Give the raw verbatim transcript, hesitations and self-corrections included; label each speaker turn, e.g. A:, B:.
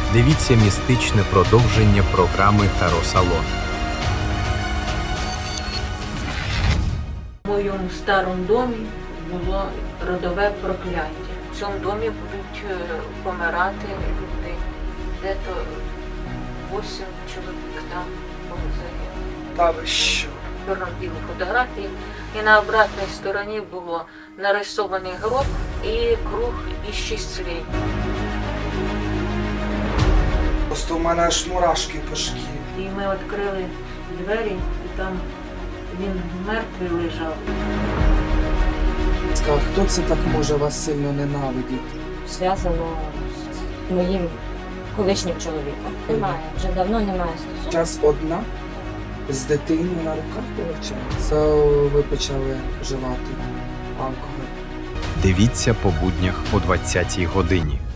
A: Дивіться містичне продовження програми Таро Салон.
B: В моєму старому домі було родове прокляття. В цьому домі будуть е, помирати люди. Де-то вісім чоловік там загинуло.
C: Та ви що?
B: Чорно-білі фотографії. І на обратній стороні було нарисований гроб і круг іщислень.
C: Просто у мене аж мурашки по шкірі.
B: І ми відкрили двері, і там він мертвий лежав.
C: Сказав, хто це так може вас сильно ненавидіти?
D: Зв'язано з моїм колишнім чоловіком. Немає, вже давно немає стосунків.
C: Час одна з дитиною на руках виходить. Це ви почали вживати алкоголь.
A: Дивіться по буднях о двадцятій годині.